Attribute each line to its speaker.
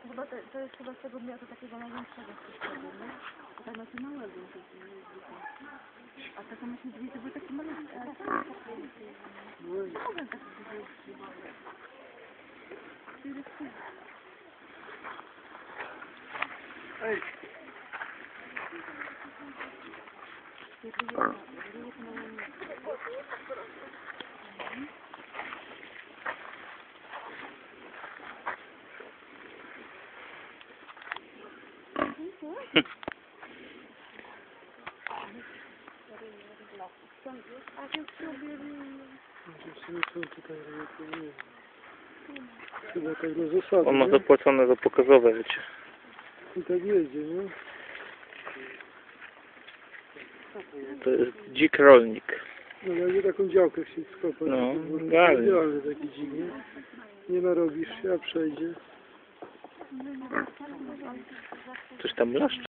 Speaker 1: Chyba to jest chyba z tego miasta takiego największego wszystkiego, nie? A tak macie małego. A takie macie drzwi, to były takie malutkie. No mogę tak
Speaker 2: Ej! Chyba tak na zasadzie,
Speaker 3: On ma
Speaker 2: nie?
Speaker 3: zapłacone za pokazowe, wiecie.
Speaker 2: I tak jedzie, nie?
Speaker 3: To jest dzik rolnik.
Speaker 2: No jakby taką działkę chcieć skopać.
Speaker 3: No,
Speaker 2: to
Speaker 3: idealnie.
Speaker 2: idealny taki dzik, nie? Nie narobisz się, a przejdzie.
Speaker 3: Coś tam blaszczy.